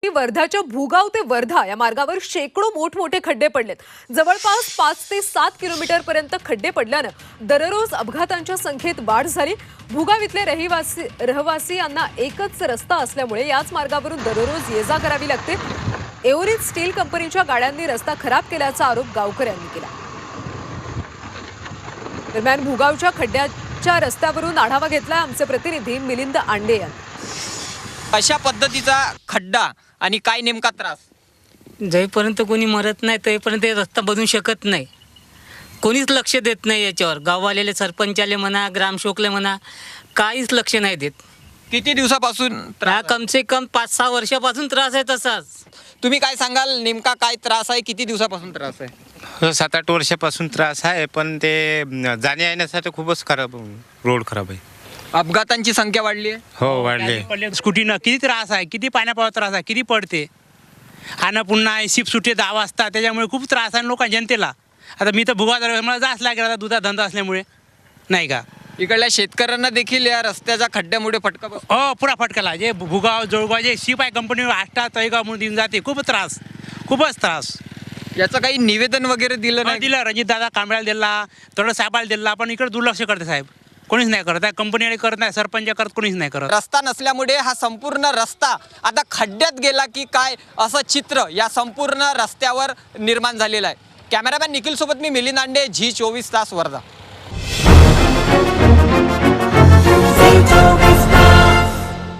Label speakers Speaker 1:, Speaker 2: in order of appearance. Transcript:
Speaker 1: वर्धाच्या भुगाव ते वर्धा या मार्गावर शेकडो मोठमोठे खड्डे पडलेत। जवळपास 5 ते 7 किलोमीटर पर्यंत खड्डे पडल्यानं दररोज अपघातांच्या संख्येत वाढ झाली। भुगाव इथले रहिवासी एकच रस्ता असल्यामुळे याच मार्गावरून दररोज ये जा करावी लागते। एओरित स्टील कंपनीच्या गाड्यांनी रस्ता खराब केल्याचा आरोप गावकऱ्यांनी केला। दरम्यान भुगावच्या खड्ड्याच्या रस्त्यावरून आढावा घेतला आमचे प्रतिनिधी मिलिंद आंडे यांनी।
Speaker 2: अशा पद्धतीचा खड्डा आणि काय नेमका त्रास?
Speaker 3: जेपर्यंत कोणी मरत नाही तेपर्यंत रस्ता बनवू शकत नाही। कोणीच लक्ष देत नाही याच्यावर। गाववालेले सरपंचाले म्हणा, ग्रामसेवकले म्हणा, काहीच लक्ष नाही देत।
Speaker 2: किती दिवसापासून
Speaker 3: हा कमसे कम 5-6 वर्षापासून त्रास आहे तसाच।
Speaker 2: तुम्ही काय सांगाल, नेमका काय त्रास आहे, किती दिवसापासून त्रास आहे?
Speaker 4: 7-8 वर्षापासून त्रास आहे, पण ते जाण्या येण्यासाठी खूपच खराब, रोड खराब आहे।
Speaker 2: अपघातांची संख्या वाढली आहे।
Speaker 4: हो वाढले।
Speaker 5: स्कूटीनं किती त्रास आहे, किती पाण्यापावर त्रास आहे, किती पडते आणि पुन्हा शिप सुटे 10 वाजता, त्याच्यामुळे खूप त्रास आहे लोकांना, जनतेला। आता मी तर भुगाव मला जास्त लागेल आता, दुधा धंदा असल्यामुळे, नाही का।
Speaker 2: इकडल्या शेतकऱ्यांना देखील या रस्त्याच्या खड्ड्यामुळे फटका बसतो।
Speaker 5: हो पुरा फटकाला। जे भुगाव जळगाव जे शिप आहे कंपनी आष्टा तळेगाव म्हणून देऊन जाते, खूप त्रास, खूपच त्रास।
Speaker 2: याचं काही निवेदन वगैरे दिलं नाही?
Speaker 5: दिलं, रणजित दादा कांबळ्याला दिला, तळ साहेबाला दिला, पण इकडे दुर्लक्ष करते साहेब, कोणीच नाही करत आहे। कंपनीने करत नाही, सरपंच करत, कोणीच नाही करत।
Speaker 2: रस्ता नसल्यामुळे हा संपूर्ण रस्ता आता खड्ड्यात गेला की काय असं चित्र या संपूर्ण रस्त्यावर निर्माण झालेलं आहे। कॅमेरामॅन निखिल सोबत मी मिलिंद आंडे, झी 24 तास वर्धा।